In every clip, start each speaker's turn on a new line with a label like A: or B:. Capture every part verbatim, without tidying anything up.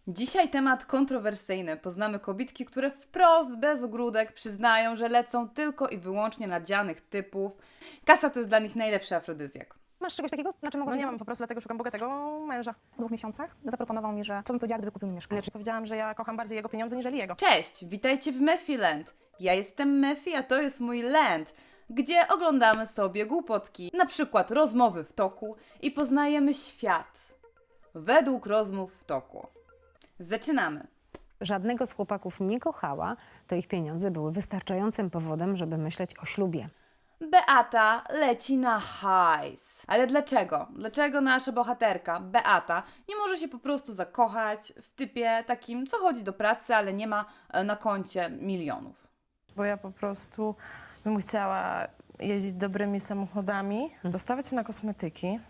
A: Dzisiaj temat kontrowersyjny. Poznamy kobietki, które wprost, bez ogródek przyznają, że lecą tylko i wyłącznie na dzianych typów. Kasa to jest dla nich najlepszy afrodyzjak.
B: Masz czegoś takiego? Na czym
C: No
B: mogę
C: nie mam, po prostu dlatego szukam bogatego męża.
B: W dwóch miesiącach zaproponował mi, że co bym powiedziała, gdyby kupił mi mieszkanie.
C: Powiedziałam, że ja kocham bardziej jego pieniądze niżeli jego.
A: Cześć, witajcie w Mephiland. Ja jestem Mephi, a to jest mój land, gdzie oglądamy sobie głupotki, na przykład rozmowy w toku i poznajemy świat według rozmów w toku. Zaczynamy.
B: Żadnego z chłopaków nie kochała, to ich pieniądze były wystarczającym powodem, żeby myśleć o ślubie.
A: Beata leci na hajs. Ale dlaczego? Dlaczego nasza bohaterka, Beata, nie może się po prostu zakochać w typie takim, co chodzi do pracy, ale nie ma e, na koncie milionów?
C: Bo ja po prostu bym chciała jeździć dobrymi samochodami, dostawać się na kosmetyki.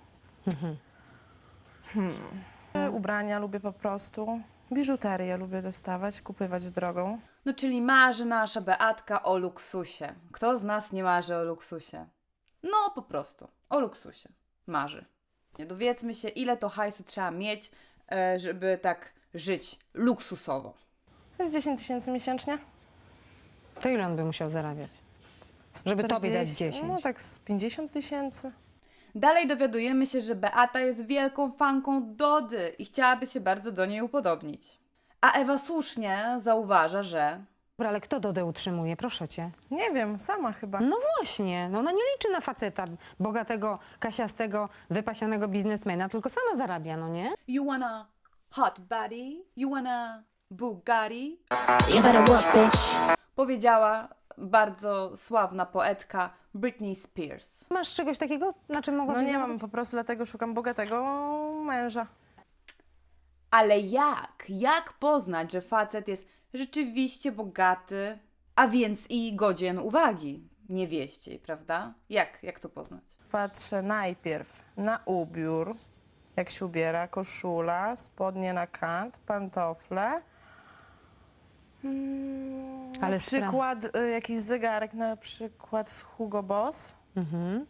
C: Hmm. Ubrania lubię po prostu. Biżuterię lubię dostawać, kupywać drogą.
A: No czyli marzy nasza Beatka o luksusie. Kto z nas nie marzy o luksusie? No po prostu, o luksusie. Marzy. Nie dowiedzmy się, ile to hajsu trzeba mieć, e, żeby tak żyć luksusowo.
C: To jest dziesięć tysięcy miesięcznie.
B: To ile on by musiał zarabiać? Żeby tobie dać dziesięć.
C: No tak z pięćdziesiąt tysięcy.
A: Dalej dowiadujemy się, że Beata jest wielką fanką Dody i chciałaby się bardzo do niej upodobnić. A Ewa słusznie zauważa, że...
B: Dobra, ale kto Dodę utrzymuje, proszę cię?
C: Nie wiem, sama chyba.
B: No właśnie, no ona nie liczy na faceta bogatego, kasiastego, wypasionego biznesmena, tylko sama zarabia, no nie?
A: You wanna hot body? You wanna Bugatti?
D: You better work, bitch.
A: Powiedziała bardzo sławna poetka Britney Spears.
B: Masz czegoś takiego, na czym
C: No
B: mogłabyś
C: nie
B: zarabiać?
C: mam, po prostu dlatego szukam bogatego męża.
A: Ale jak? Jak poznać, że facet jest rzeczywiście bogaty, a więc i godzien uwagi niewieściej, prawda? Jak? Jak to poznać?
C: Patrzę najpierw na ubiór, jak się ubiera, koszula, spodnie na kant, pantofle. Mm,
B: Ale
C: na
B: spra-
C: przykład y, jakiś zegarek, na przykład z Hugo Boss.
B: Mhm.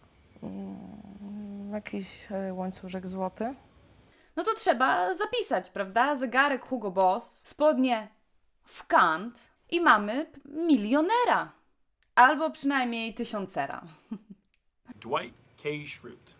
C: Mm, jakiś y, łańcuszek złoty.
A: No to trzeba zapisać, prawda? Zegarek Hugo Boss, spodnie w kant i mamy p- milionera. Albo przynajmniej tysiącera.
E: Dwight K. Schrute.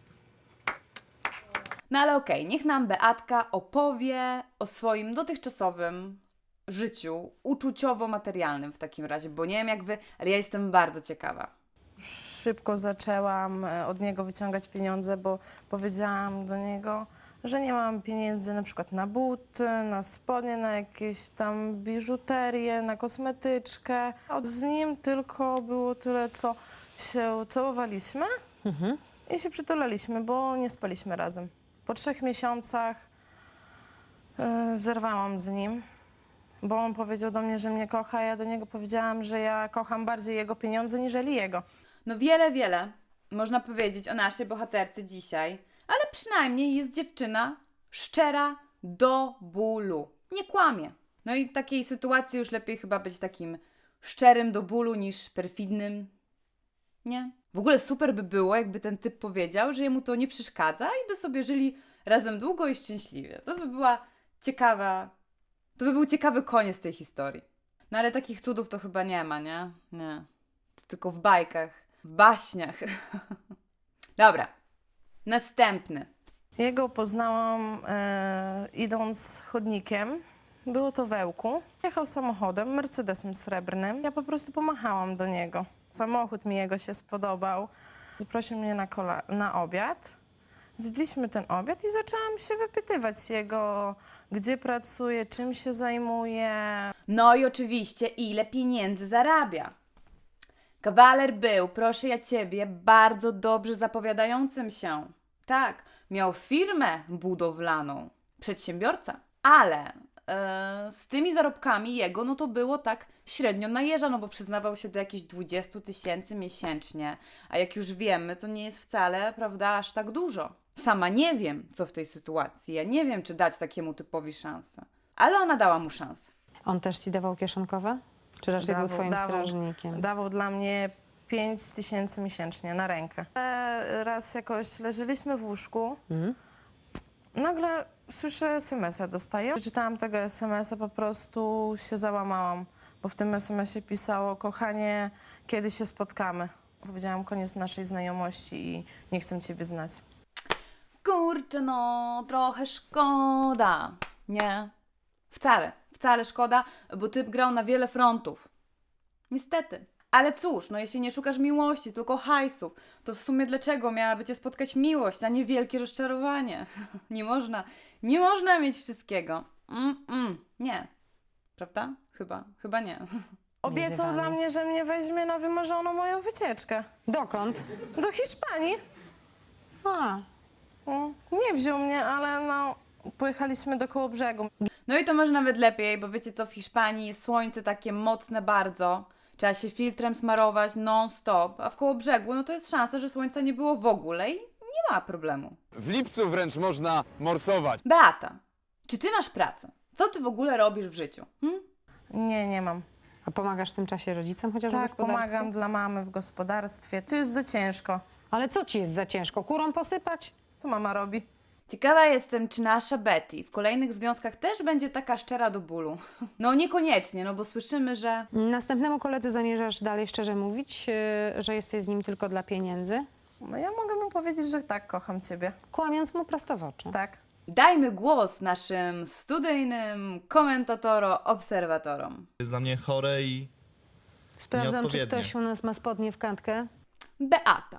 A: No ale okej, niech nam Beatka opowie o swoim dotychczasowym życiu uczuciowo-materialnym w takim razie, bo nie wiem jak wy, ale ja jestem bardzo ciekawa.
C: Szybko zaczęłam e, od niego wyciągać pieniądze, bo powiedziałam do niego, że nie mam pieniędzy na przykład na buty, na spodnie, na jakieś tam biżuterię, na kosmetyczkę. Od z nim tylko było tyle, co się całowaliśmy i się przytulaliśmy, bo nie spaliśmy razem. Po trzech miesiącach e, zerwałam z nim, bo on powiedział do mnie, że mnie kocha, a ja do niego powiedziałam, że ja kocham bardziej jego pieniądze niżeli jego.
A: No wiele, wiele można powiedzieć o naszej bohaterce dzisiaj, ale przynajmniej jest dziewczyna szczera do bólu. Nie kłamie. No i w takiej sytuacji już lepiej chyba być takim szczerym do bólu niż perfidnym. Nie? W ogóle super by było, jakby ten typ powiedział, że jemu to nie przeszkadza i by sobie żyli razem długo i szczęśliwie. To by była ciekawa... To by był ciekawy koniec tej historii. No ale takich cudów to chyba nie ma, nie? Nie. To tylko w bajkach, w baśniach. Dobra. Następny.
C: Jego poznałam e, idąc chodnikiem. Było to w Ełku. Jechał samochodem, Mercedesem srebrnym. Ja po prostu pomachałam do niego. Samochód mi jego się spodobał. Zaprosił mnie na, kola- na obiad. Zjedliśmy ten obiad i zaczęłam się wypytywać jego, gdzie pracuje, czym się zajmuje.
A: No i oczywiście, ile pieniędzy zarabia. Kawaler był, proszę ja ciebie, bardzo dobrze zapowiadającym się. Tak, miał firmę budowlaną, przedsiębiorca, ale e, z tymi zarobkami jego, no to było tak średnio na jeża, no bo przyznawał się do jakichś dwudziestu tysięcy miesięcznie, a jak już wiemy, to nie jest wcale, prawda, aż tak dużo. Sama nie wiem, co w tej sytuacji, ja nie wiem, czy dać takiemu typowi szansę, ale ona dała mu szansę.
B: On też ci dawał kieszonkowe? Czy raczej był twoim strażnikiem?
C: Dawał dla mnie pięć tysięcy miesięcznie na rękę. E, Raz jakoś leżeliśmy w łóżku. Nagle Słyszę es em es a, dostaję. Przeczytałam tego es em es a, po prostu się załamałam, bo w tym es em es ie pisało: kochanie, kiedy się spotkamy? Powiedziałam: koniec naszej znajomości i nie chcę ciebie znać.
A: Kurczę, no, trochę szkoda. Nie, wcale, wcale szkoda, bo typ grał na wiele frontów. Niestety. Ale cóż, no jeśli nie szukasz miłości, tylko hajsów, to w sumie dlaczego miałaby cię spotkać miłość, a nie wielkie rozczarowanie? Nie można, nie można mieć wszystkiego. Mm, mm, nie. Prawda? Chyba, chyba nie.
C: Obiecał
B: Wyzwanie.
C: dla mnie, że mnie weźmie na wymarzoną moją wycieczkę.
B: Dokąd?
C: Do Hiszpanii.
B: A,
C: Mm, Nie wziął mnie, ale no, pojechaliśmy do Kołobrzegu.
A: No i to może nawet lepiej, bo wiecie co, w Hiszpanii jest słońce takie mocne bardzo. Trzeba się filtrem smarować non-stop, a w Kołobrzegu no to jest szansa, że słońca nie było w ogóle i nie ma problemu.
D: W lipcu wręcz można morsować.
A: Beata, czy ty masz pracę? Co ty w ogóle robisz w życiu? Hm?
C: Nie, nie mam.
B: a pomagasz w tym czasie rodzicom chociaż w
C: Tak,
B: gospodarstwie?
C: pomagam dla mamy w gospodarstwie. To jest za ciężko.
B: Ale co ci jest za ciężko? Kurą posypać?
C: To mama robi.
A: Ciekawa jestem, czy nasza Betty w kolejnych związkach też będzie taka szczera do bólu. No niekoniecznie, no bo słyszymy, że...
B: Następnemu koledze zamierzasz dalej szczerze mówić, yy, że jesteś z nim tylko dla pieniędzy?
C: No ja mogę mu powiedzieć, że tak, kocham ciebie.
B: Kłamiąc mu prosto w oczy.
C: Tak.
A: Dajmy głos naszym studyjnym komentatorom, obserwatorom.
F: Jest dla mnie chore i
B: Sprawdzam, czy
F: Nieodpowiednie.
B: ktoś u nas ma spodnie w kantkę.
A: Beata,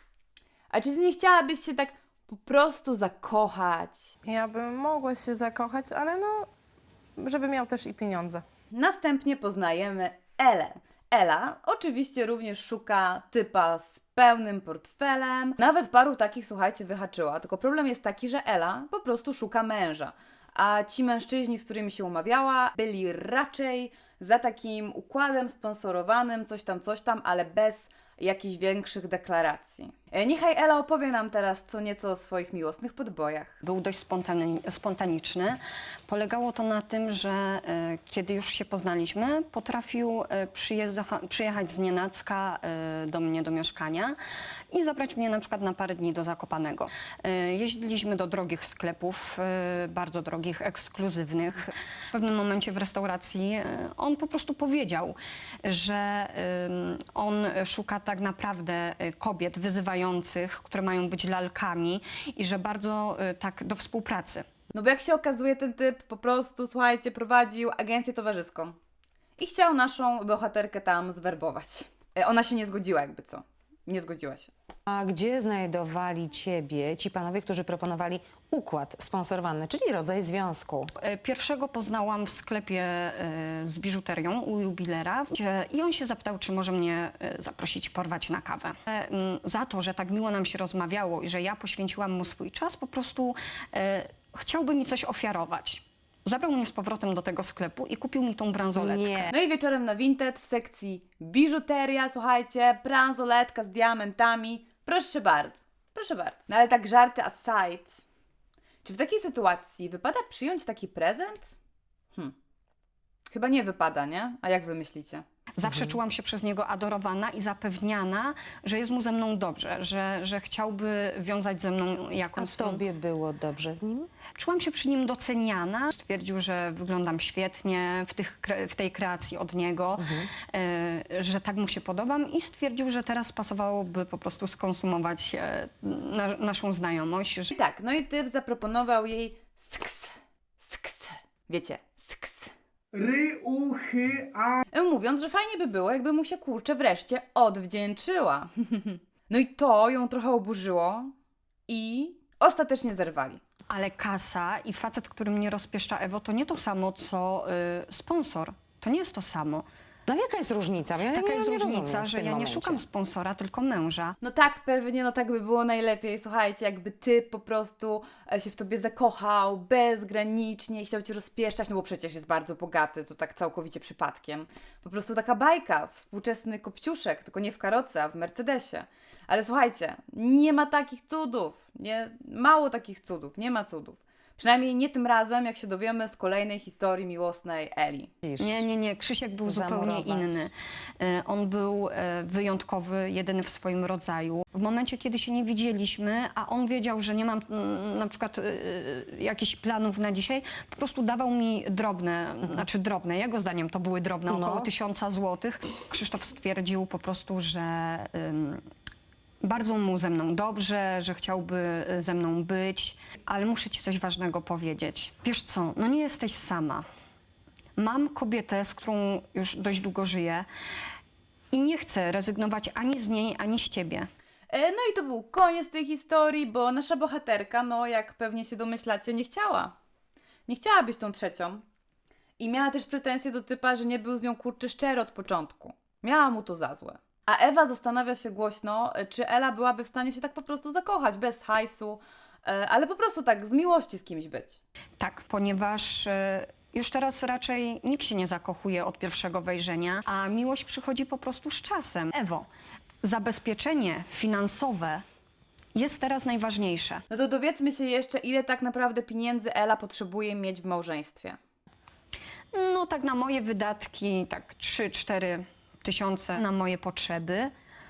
A: a czy ty nie chciałabyś się tak po prostu zakochać?
C: Ja bym mogła się zakochać, ale no, żeby miał też i pieniądze.
A: Następnie poznajemy Elę. Ela oczywiście również szuka typa z pełnym portfelem. Nawet paru takich, słuchajcie, wyhaczyła. Tylko problem jest taki, że Ela po prostu szuka męża. A ci mężczyźni, z którymi się umawiała, byli raczej za takim układem sponsorowanym, coś tam, coś tam, ale bez jakichś większych deklaracji. E, Niechaj Ela opowie nam teraz co nieco o swoich miłosnych podbojach.
G: Był dość spontani- spontaniczny. Polegało to na tym, że e, kiedy już się poznaliśmy, potrafił e, przyjeżdża- przyjechać z nienacka e, do mnie do mieszkania i zabrać mnie na przykład na parę dni do Zakopanego. E, jeździliśmy do drogich sklepów, e, bardzo drogich, ekskluzywnych. W pewnym momencie w restauracji e, on po prostu powiedział, że e, on szuka tak naprawdę e, kobiet wyzywających, które mają być lalkami i że bardzo e, tak do współpracy.
A: No bo jak się okazuje, ten typ po prostu, słuchajcie, prowadził agencję towarzyską i chciał naszą bohaterkę tam zwerbować. E, Ona się nie zgodziła, jakby co. Nie zgodziła się.
B: A gdzie znajdowali ciebie ci panowie, którzy proponowali układ sponsorowany, czyli rodzaj związku?
G: E, Pierwszego poznałam w sklepie e, z biżuterią u jubilera gdzie- i on się zapytał, czy może mnie e, zaprosić porwać na kawę. E, m, Za to, że tak miło nam się rozmawiało i że ja poświęciłam mu swój czas, po prostu e, chciałby mi coś ofiarować. Zabrał mnie z powrotem do tego sklepu i kupił mi tą bransoletkę.
B: Nie.
A: No i wieczorem na Vinted w sekcji biżuteria, słuchajcie, bransoletka z diamentami. Proszę bardzo, proszę bardzo. No ale tak żarty aside. Czy w takiej sytuacji wypada przyjąć taki prezent? Hm. Chyba nie wypada, nie? A jak wy myślicie?
G: Zawsze czułam się przez niego adorowana i zapewniana, że jest mu ze mną dobrze, że, że chciałby wiązać ze mną
B: A
G: jakąś swą...
B: tobie było dobrze z nim?
G: Czułam się przy nim doceniana. Stwierdził, że wyglądam świetnie w, tych, kre- w tej kreacji od niego, e, że tak mu się podobam i stwierdził, że teraz pasowałoby po prostu skonsumować e, na, naszą znajomość. Że...
A: I tak, no i typ zaproponował jej sks, sks, wiecie, sks.
H: Ry, uchy, a...
A: Mówiąc, że fajnie by było, jakby mu się kurczę wreszcie odwdzięczyła. No i to ją trochę oburzyło i ostatecznie zerwali.
G: Ale kasa i facet, który mnie rozpieszcza, Ewo, to nie to samo, co y, sponsor. To nie jest to samo.
B: No ale jaka jest różnica? Ja
G: Taka
B: nie,
G: jest
B: nie rozumiem
G: różnica,
B: w
G: że
B: tym
G: ja nie
B: momencie.
G: szukam sponsora, tylko męża.
A: No tak, pewnie, no tak by było najlepiej. Słuchajcie, jakby ty po prostu e, się w tobie zakochał bezgranicznie i chciał cię rozpieszczać, no bo przecież jest bardzo bogaty, to tak całkowicie przypadkiem. Po prostu taka bajka, współczesny kopciuszek, tylko nie w karoce, a w Mercedesie. Ale słuchajcie, nie ma takich cudów, nie, mało takich cudów, nie ma cudów. Przynajmniej nie tym razem, jak się dowiemy z kolejnej historii miłosnej Eli.
G: Nie, nie, nie. Krzysiek był zupełnie
B: Zamurować.
G: inny. E, On był e, wyjątkowy, jedyny w swoim rodzaju. W momencie, kiedy się nie widzieliśmy, a on wiedział, że nie mam mm, na przykład e, jakichś planów na dzisiaj, po prostu dawał mi drobne, znaczy drobne, jego zdaniem to były drobne,
B: No.
G: około tysiąca złotych. Krzysztof stwierdził po prostu, że ym, bardzo mu ze mną dobrze, że chciałby ze mną być, ale muszę ci coś ważnego powiedzieć. Wiesz co, no nie jesteś sama. Mam kobietę, z którą już dość długo żyję i nie chcę rezygnować ani z niej, ani z ciebie.
A: E, No i to był koniec tej historii, bo nasza bohaterka, no jak pewnie się domyślacie, nie chciała. Nie chciała być tą trzecią. I miała też pretensje do typa, że nie był z nią kurczę szczery od początku. Miała mu to za złe. A Ewa zastanawia się głośno, czy Ela byłaby w stanie się tak po prostu zakochać, bez hajsu, e, ale po prostu tak z miłości z kimś być.
G: Tak, ponieważ e, już teraz raczej nikt się nie zakochuje od pierwszego wejrzenia, a miłość przychodzi po prostu z czasem. Ewo, zabezpieczenie finansowe jest teraz najważniejsze.
A: No to dowiedzmy się jeszcze, ile tak naprawdę pieniędzy Ela potrzebuje mieć w małżeństwie.
G: No tak na moje wydatki, tak trzy cztery tysiące na moje potrzeby,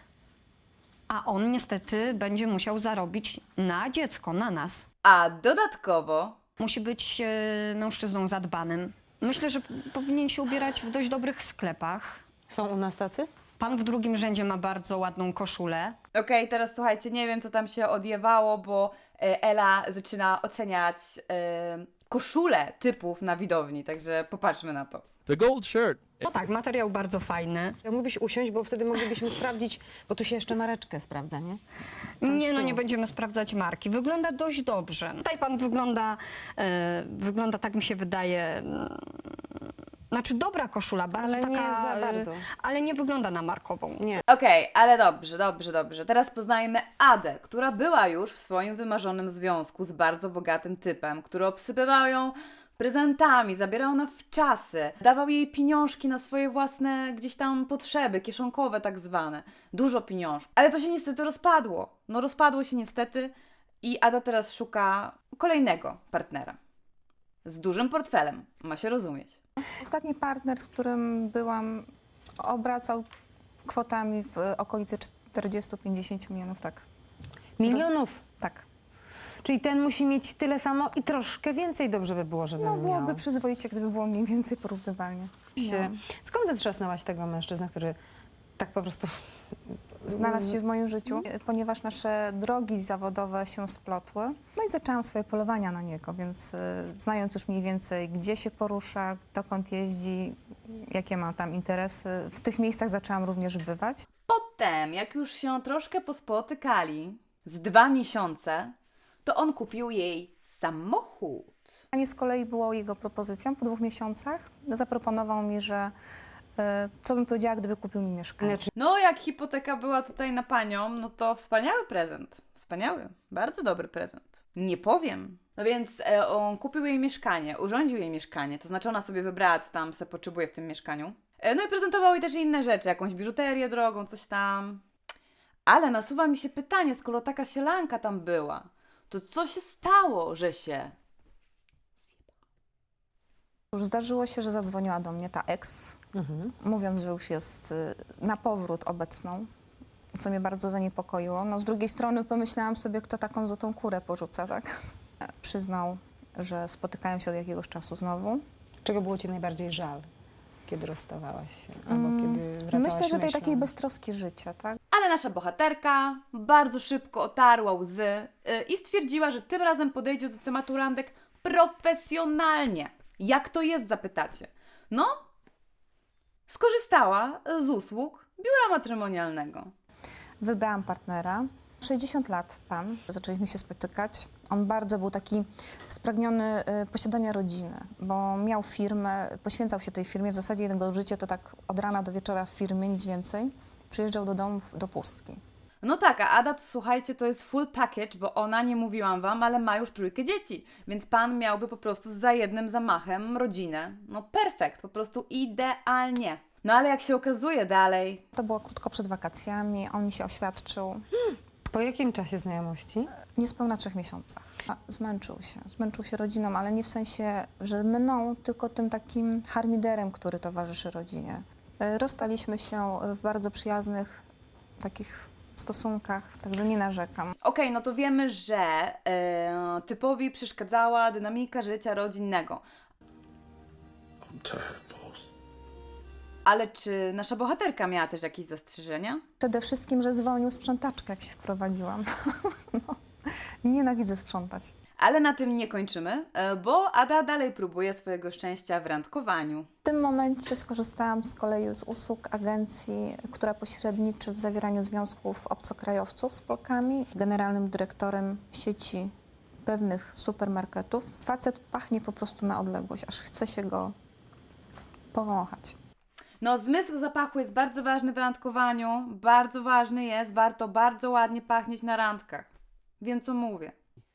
G: a on niestety będzie musiał zarobić na dziecko, na nas.
A: A dodatkowo
G: Musi być e, mężczyzną zadbanym. Myślę, że p- powinien się ubierać w dość dobrych sklepach.
B: Są u nas tacy?
G: Pan w drugim rzędzie ma bardzo ładną koszulę.
A: Okej, teraz słuchajcie, nie wiem co tam się odjewało, bo e, Ela zaczyna oceniać e, koszule typów na widowni, także popatrzmy na to.
D: The gold shirt.
G: No tak, materiał bardzo fajny.
B: Mógłbyś usiąść, bo wtedy moglibyśmy sprawdzić, bo tu się jeszcze mareczkę sprawdza, nie?
G: Nie,
B: z
G: no
B: tyłu.
G: nie będziemy sprawdzać marki. Wygląda dość dobrze. Tutaj pan wygląda, e, wygląda tak mi się wydaje, mm, znaczy dobra koszula, bardzo
B: Ale nie
G: taka,
B: za
G: e,
B: bardzo.
G: ale nie wygląda na markową.
B: Nie.
A: Okej, ale dobrze, dobrze, dobrze. Teraz poznajmy Adę, która była już w swoim wymarzonym związku z bardzo bogatym typem, który obsypywał ją prezentami, zabierał na wczasy, dawał jej pieniążki na swoje własne gdzieś tam potrzeby, kieszonkowe tak zwane. Dużo pieniążków. Ale to się niestety rozpadło. No rozpadło się niestety i Ada teraz szuka kolejnego partnera. Z dużym portfelem, ma się rozumieć.
F: Ostatni partner, z którym byłam, obracał kwotami w okolicy czterdzieści do pięćdziesięciu milionów, tak.
B: Milionów.
F: Tak.
B: Czyli ten musi mieć tyle samo i troszkę więcej dobrze by było, żeby
F: No byłoby
B: miał.
F: przyzwoicie, gdyby było mniej więcej porównywalnie.
B: Się. Skąd wytrzasnęłaś tego mężczyznę, który tak po prostu...
F: Znalazł się w moim życiu, ponieważ nasze drogi zawodowe się splotły. No i zaczęłam swoje polowania na niego, więc y, znając już mniej więcej, gdzie się porusza, dokąd jeździ, jakie ma tam interesy, w tych miejscach zaczęłam również bywać.
A: Potem, jak już się troszkę pospotykali, z dwa miesiące, to on kupił jej samochód.
F: A nie z kolei było jego propozycją po dwóch miesiącach. Zaproponował mi, że y, co bym powiedziała, gdyby kupił mi mieszkanie.
B: Znaczy,
A: No, jak hipoteka była tutaj na panią, no to wspaniały prezent. Wspaniały, bardzo dobry prezent. Nie powiem. No więc e, on kupił jej mieszkanie, urządził jej mieszkanie, to znaczy ona sobie wybrała, co tam se potrzebuje w tym mieszkaniu. E, no i prezentował jej też inne rzeczy, jakąś biżuterię drogą, coś tam. Ale nasuwa mi się pytanie, skoro taka sielanka tam była, to co się stało, że się...
F: Już zdarzyło się, że zadzwoniła do mnie ta ex, mówiąc, że już jest y, na powrót obecną, co mnie bardzo zaniepokoiło. No z drugiej strony pomyślałam sobie, kto taką złotą kurę porzuca, tak? Przyznał, że spotykają się od jakiegoś czasu znowu.
B: czego było ci najbardziej żal, kiedy rozstawałaś się? Albo kiedy wracałaś
F: Myślę, że tej
B: myślą?
F: takiej beztroski życia, tak?
A: Ale nasza bohaterka bardzo szybko otarła łzy yy, i stwierdziła, że tym razem podejdzie do tematu randek profesjonalnie. Jak to jest, zapytacie? No, skorzystała z usług biura matrymonialnego.
F: Wybrałam partnera. sześćdziesiąt lat pan. Zaczęliśmy się spotykać. On bardzo był taki spragniony y, posiadania rodziny, bo miał firmę, poświęcał się tej firmie. W zasadzie jego życie to tak od rana do wieczora w firmie, nic więcej. Przyjeżdżał do domu do pustki.
A: No tak, a Ada, to, słuchajcie, to jest full package, bo ona, nie mówiłam wam, ale ma już trójkę dzieci, więc pan miałby po prostu za jednym zamachem rodzinę. No perfekt, po prostu idealnie. No ale jak się okazuje dalej,
F: To było krótko przed wakacjami. On mi się oświadczył
B: Po jakim czasie znajomości?
F: Niespełna trzech miesiącach. A, Zmęczył się. Zmęczył się rodziną, ale nie w sensie, że mną, tylko tym takim harmiderem, który towarzyszy rodzinie. E, Rozstaliśmy się w bardzo przyjaznych takich stosunkach, także nie narzekam.
A: Okej, no to wiemy, że e, typowi przeszkadzała dynamika życia rodzinnego. Ale czy nasza bohaterka miała też jakieś zastrzeżenia?
F: Przede wszystkim, że zwolnił sprzątaczkę, jak się wprowadziłam. No, nienawidzę sprzątać.
A: Ale na tym nie kończymy, e, bo Ada dalej próbuje swojego szczęścia w randkowaniu.
F: W tym momencie skorzystałam z kolei z usług agencji, która pośredniczy w zawieraniu związków obcokrajowców z Polkami, generalnym dyrektorem sieci pewnych supermarketów. Facet pachnie po prostu na odległość, aż chce się go powąchać.
A: No, zmysł zapachu jest bardzo ważny w randkowaniu, bardzo ważny jest, warto bardzo ładnie pachnieć na randkach. Wiem, co mówię.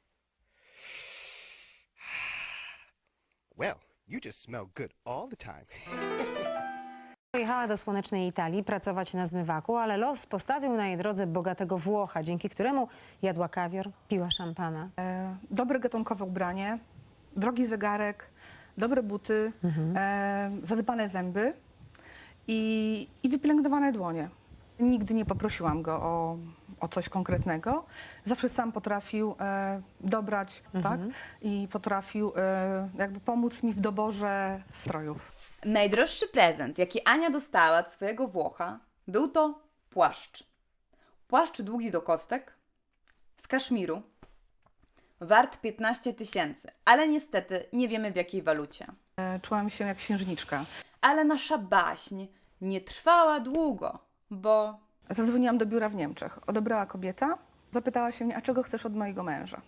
I: Well, you just smell good all the time.
B: Pojechała do słonecznej Italii pracować na zmywaku, ale los postawił na jej drodze bogatego Włocha, dzięki któremu jadła kawior, piła szampana.
J: E, dobre gatunkowe ubranie, drogi zegarek, dobre buty, e, zadbane zęby i, i wypielęgnowane dłonie. Nigdy nie poprosiłam go o, o coś konkretnego. Zawsze sam potrafił e, dobrać, tak? I potrafił e, jakby pomóc mi w doborze strojów.
A: Najdroższy prezent, jaki Ania dostała od swojego Włocha, był to płaszcz. Płaszcz długi do kostek, z kaszmiru, wart piętnaście tysięcy, ale niestety nie wiemy w jakiej walucie.
J: E, czułam się jak księżniczka.
A: Ale nasza baśń nie trwała długo, bo
J: Zadzwoniłam do biura w Niemczech. Odebrała kobieta, zapytała się mnie, a czego chcesz od mojego męża?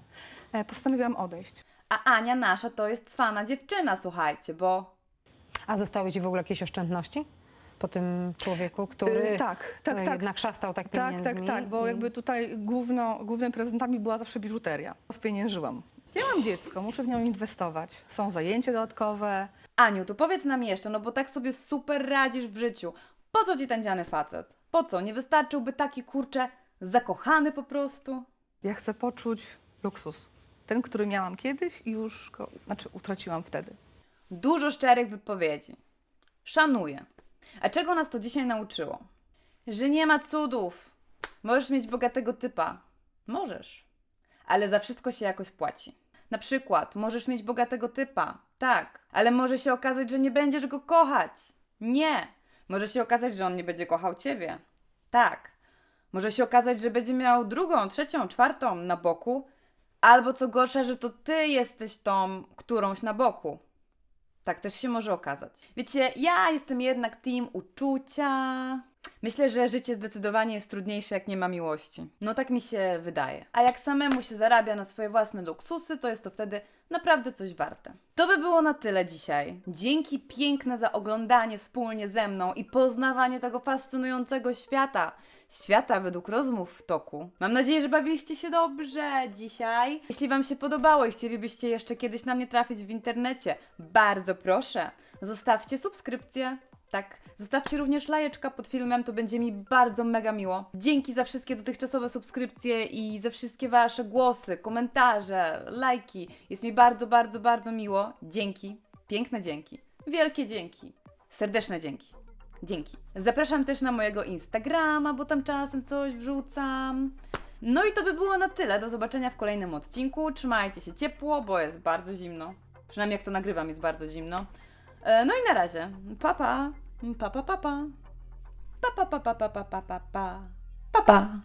J: E, Postanowiłam odejść.
A: a Ania nasza to jest cwana dziewczyna, słuchajcie, bo
B: A zostały ci w ogóle jakieś oszczędności po tym człowieku, który
J: E, tak, tak,
B: e,
J: tak.
B: jednak szastał tak
J: Tak,
B: pieniędzmi?
J: tak, tak, bo
B: i-
J: jakby tutaj główno, głównymi prezentami była zawsze biżuteria. Spieniężyłam. Ja mam dziecko, muszę w nią inwestować. Są zajęcia dodatkowe.
A: Aniu, to powiedz nam jeszcze, no bo tak sobie super radzisz w życiu. Po co ci ten dziany facet? Po co? Nie wystarczyłby taki, kurczę, zakochany po prostu?
J: Ja chcę poczuć luksus. Ten, który miałam kiedyś i już go, znaczy utraciłam wtedy.
A: Dużo szczerych wypowiedzi. Szanuję. A czego nas to dzisiaj nauczyło? Że nie ma cudów. Możesz mieć bogatego typa. Możesz. Ale za wszystko się jakoś płaci. Na przykład, możesz mieć bogatego typa. Tak. Ale może się okazać, że nie będziesz go kochać. Nie. Może się okazać, że on nie będzie kochał ciebie. Tak. Może się okazać, że będzie miał drugą, trzecią, czwartą na boku. Albo co gorsza, że to ty jesteś tą którąś na boku. Tak też się może okazać. Wiecie, ja jestem jednak team uczucia. Myślę, że życie zdecydowanie jest trudniejsze, jak nie ma miłości. No tak mi się wydaje. A jak samemu się zarabia na swoje własne luksusy, to jest to wtedy naprawdę coś warte. To by było na tyle dzisiaj. Dzięki piękne za oglądanie wspólnie ze mną i poznawanie tego fascynującego świata. Świata według rozmów w toku. Mam nadzieję, że bawiliście się dobrze dzisiaj. Jeśli Wam się podobało i chcielibyście jeszcze kiedyś na mnie trafić w internecie, bardzo proszę, zostawcie subskrypcję. Tak, zostawcie również lajeczka pod filmem, to będzie mi bardzo mega miło. Dzięki za wszystkie dotychczasowe subskrypcje i za wszystkie Wasze głosy, komentarze, lajki. Jest mi bardzo, bardzo, bardzo miło. Dzięki, piękne dzięki, wielkie dzięki, serdeczne dzięki. Dzięki. Zapraszam też na mojego Instagrama, bo tam czasem coś wrzucam. No i to by było na tyle. Do zobaczenia w kolejnym odcinku. Trzymajcie się ciepło, bo jest bardzo zimno. Przynajmniej jak to nagrywam, jest bardzo zimno. E, No i na razie. Pa pa. Pa pa pa pa. Pa pa pa pa pa pa pa pa. Pa pa.